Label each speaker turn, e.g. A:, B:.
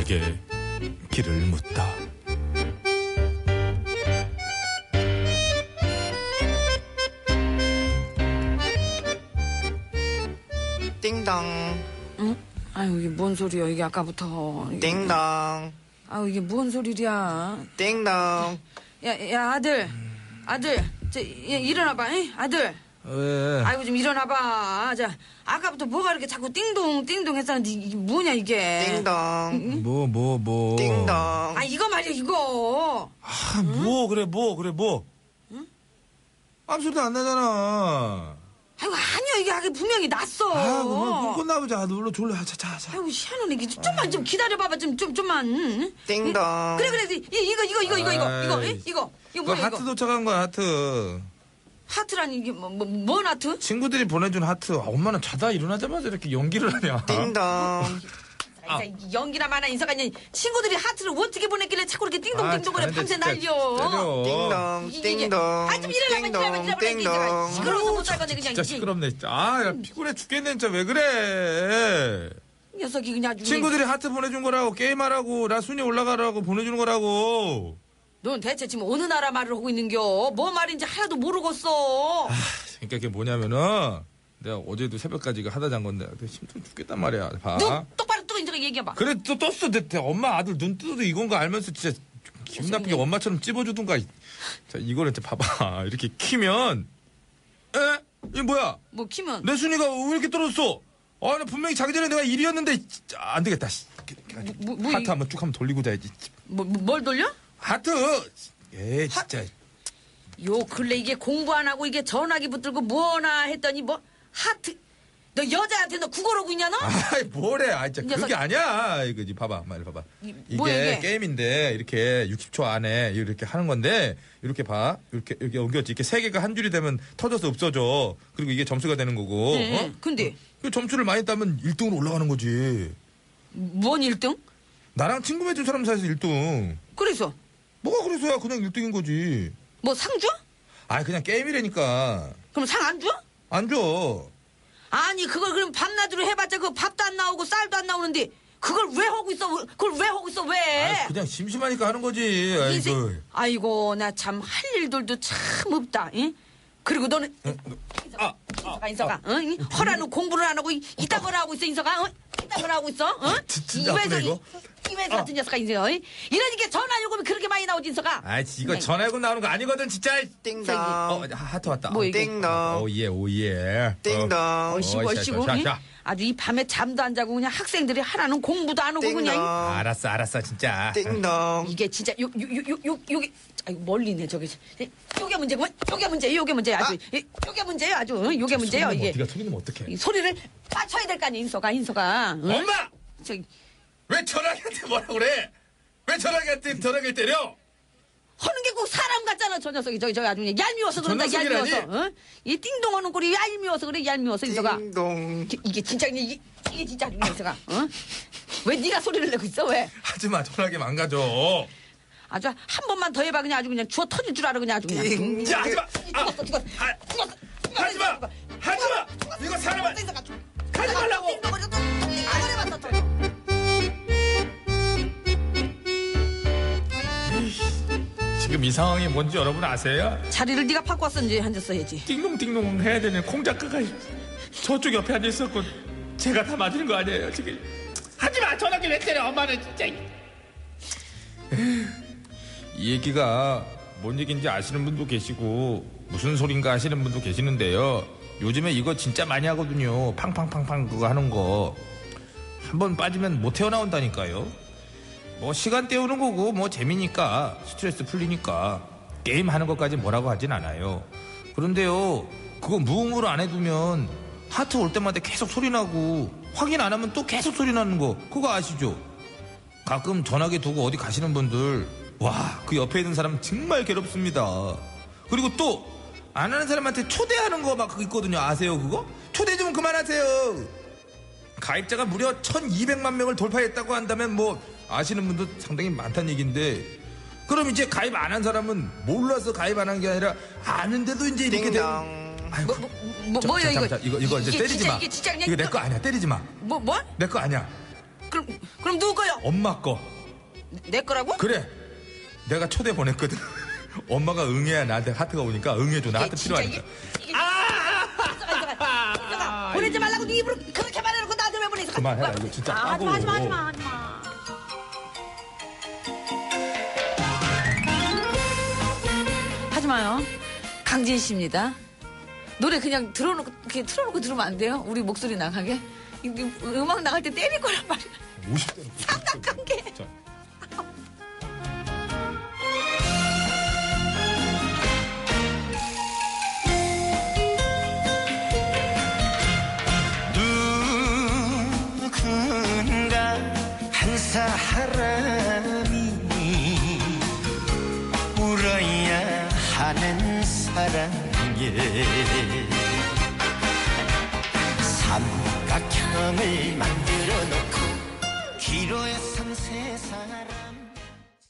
A: 하늘에게 길을 묻다.
B: 띵동.
C: 응? 아유, 이게 뭔 소리야, 이게 아까부터.
B: 띵동.
C: 아유, 이게 뭔 소리야.
B: 띵동.
C: 야, 아들. 일어나봐, 잉? 아들.
A: 왜?
C: 아이고, 좀 일어나봐. 자, 아까부터 뭐가 이렇게 자꾸 띵동 했었는데, 이게 뭐냐, 이게.
B: 띵동.
A: 뭐.
B: 띵동.
C: 아, 이거 말이야, 이거.
A: 아, 그래, 뭐.
C: 응?
A: 아무 소리도 안 나잖아.
C: 아이고, 아니야, 이게 분명히 났어.
A: 뭐 꽂나 보자. 놀러 졸려. 자.
C: 아이고, 희한하네. 이게 좀만 좀 기다려봐봐, 좀만. 응?
B: 띵동.
C: 그래. 이거 뭐야,
A: 하트
C: 이거?
A: 도착한 거야, 하트.
C: 하트라니, 이게 뭔 하트?
A: 친구들이 보내준 하트. 엄마는 자다 일어나자마자 이렇게 연기를 하냐.
B: 띵동.
C: 연기나 마나 인사가니 친구들이 하트를 어떻게 보냈길래 자꾸 이렇게 띵동거려 밤새 날려.
B: 띵동.
C: 좀 일어나봐.
B: 띵동.
C: 시끄러워서 못 살겠네 그냥.
A: 진짜 시끄럽네. 진짜. 야, 피곤해 죽겠네. 진짜 왜 그래.
C: 녀석이 그냥 아주.
A: 친구들이 하트 보내준 거라고, 게임하라고, 나 순위 올라가라고 보내주는 거라고.
C: 넌 대체 지금 어느 나라 말을 하고 있는겨? 뭐 말인지 하나도 모르겠어.
A: 그러니까 그게 뭐냐면은 내가 어제도 새벽까지 이거 하다 잔 건데 힘들어 죽겠단 말이야. 봐.
C: 눈 똑바로 뜨고 이제 얘기해봐.
A: 그래 또 떴어. 내 엄마 아들 눈 뜨도 이건 거 알면서 진짜 기분 나쁘게 엄마처럼 찝어주든가. 자 이거를 이제 봐봐. 이렇게 키면 이게 뭐야?
C: 뭐 키면?
A: 내 순위가 왜 이렇게 떨어졌어? 나 분명히 자기 전에 내가 1위였는데 안 되겠다. 하트 한번 쭉 한번 돌리고 자야지.
C: 뭘 돌려?
A: 하트. 진짜.
C: 요 근래 이게 공부 안 하고 이게 전화기 붙들고 뭐나 했더니 뭐 하트. 너 여자한테 너 국어로고 있냐 너?
A: 아이 뭐래. 진짜
C: 녀석.
A: 그게 아니야. 이거지 봐봐. 말로 봐봐.
C: 뭐야, 이게?
A: 게임인데 이렇게 60초 안에 이렇게 하는 건데 이렇게 봐. 이렇게 옮겼지. 이렇게 세 개가 한 줄이 되면 터져서 없어져. 그리고 이게 점수가 되는 거고.
C: 네, 근데
A: 그 점수를 많이 따면 1등으로 올라가는 거지.
C: 뭔 1등?
A: 나랑 친구 맺은 사람 사이에서 1등.
C: 그래서
A: 뭐가 그래서야 그냥 1등인 거지.
C: 뭐 상 줘?
A: 그냥 게임이라니까.
C: 그럼 상 안 줘?
A: 안 줘.
C: 아니 그걸 그럼 밤낮으로 해봤자 그 밥도 안 나오고 쌀도 안 나오는데 그걸 왜 하고 있어? 그걸 왜 하고 있어? 왜?
A: 그냥 심심하니까 하는 거지.
C: 아이고 나 참 할 일들도 참 없다. 응? 그리고 너는 인서가 응? 허라는 공부를 안 하고 이딴 걸 하고 있어 인서가 응? 이딴 걸 하고 있어 응?
A: 진짜 아프네 이거.
C: 이회사 같은 녀석아 인서 이러니까 전화 요금이 그렇게 많이 나오지 인서가.
A: 이거 전화요금 나오는 거 아니거든 진짜.
B: 띵동.
A: 하트 왔다.
C: 뭐 이게?
B: 띵동.
A: 오예.
B: 띵동.
C: 얼씨구 응?
A: 자.
C: 아주 이 밤에 잠도 안 자고 그냥 학생들이 하라는 공부도 안 하고
B: 띵동.
C: 그냥
A: 알았어 진짜.
B: 띵동.
C: 이게 진짜 요게 아이고 멀리 있네 저기 요게 문제구만. 요게 문제 아주 요게 문제예요 아주 요게 문제예요 이게.
A: 네가 소리 내면 어떡해.
C: 이 소리를 맞춰야 될 거 아니야 인서가 응?
A: 엄마!
C: 저기
A: 왜 전화기한테 뭐라 그래? 왜 전화기를 때려?
C: 하는 게 꼭 사람 같잖아 저 녀석이 저기 아주 그냥 얄미워서 그런다
A: 전화소리라니?
C: 얄미워서 응? 이 띵동하는 꼴이 얄미워서 그래 얄미워서 인서가.
B: 띵동.
C: 이게 진짜 이게 진짜 아주 인서가 응? 왜 네가 소리를 내고 있어 왜?
A: 하지마 전화기 망가져.
C: 아주 한 번만 더 해봐 그냥 아주 그냥 주워 터질 줄 알아 그냥 아주 그냥.
A: 야 하지마.
C: 죽었어.
A: 하지마. 이거 사람을 하지 말라고. 지금 이 상황이 뭔지 여러분 아세요?
C: 자리를 네가 바꿨었는지 앉았어야지.
A: 띵동띵동 해야 되는 콩 작가가 저쪽 옆에 앉아 있었고 제가 다 맞은 거 아니에요 지금. 하지마 전화기 왜 때려 엄마는 진짜. 이 얘기가 뭔 얘기인지 아시는 분도 계시고 무슨 소린가 하시는 분도 계시는데요. 요즘에 이거 진짜 많이 하거든요. 팡팡팡팡 그거 하는 거. 한번 빠지면 못 헤어나온다니까요. 뭐 시간 때우는 거고 뭐 재미니까 스트레스 풀리니까 게임 하는 것까지 뭐라고 하진 않아요. 그런데요 그거 무음으로 안 해두면 하트 올 때마다 계속 소리 나고 확인 안 하면 또 계속 소리 나는 거 그거 아시죠? 가끔 전화기 두고 어디 가시는 분들 와 그 옆에 있는 사람 정말 괴롭습니다. 그리고 또 안 하는 사람한테 초대하는 거 막 그거 있거든요. 아세요 그거? 초대 좀 그만하세요. 가입자가 무려 1200만 명을 돌파했다고 한다면 뭐 아시는 분도 상당히 많다는 얘기인데 그럼 이제 가입 안 한 사람은 몰라서 가입 안 한 게 아니라 아는데도 이제 이렇게 돼.
C: 뭐야 이거?
A: 이거 이제 때리지 마.
C: 이게 진짜 그냥
A: 이거 내 거 아니야. 때리지 마.
C: 뭐?
A: 내 거 아니야.
C: 그럼 누구 거요?
A: 엄마 거.
C: 내 거라고?
A: 그래. 내가 초대 보냈거든. 엄마가 응해야 나한테 하트가 오니까 응해줘. 나 하트 필요하니까.
C: 인서가 보내지 말라고 네 입으로 그렇게 말해놓고 나한테 왜 보내? 인서가.
A: 그만해라. 이거 진짜 까고.
C: 하지마. 하지마요. 강진 씨입니다. 노래 그냥 틀어놓고 들으면 안 돼요? 우리 목소리 나가게? 음악 나갈 때 때릴 거란 말이야.
A: 50대로.
C: 상당한 게.
A: 자.
D: 누군가 한 사람이 울어야 하는 사랑에 삼각형을 만들어 놓고 기로에 선 세 사람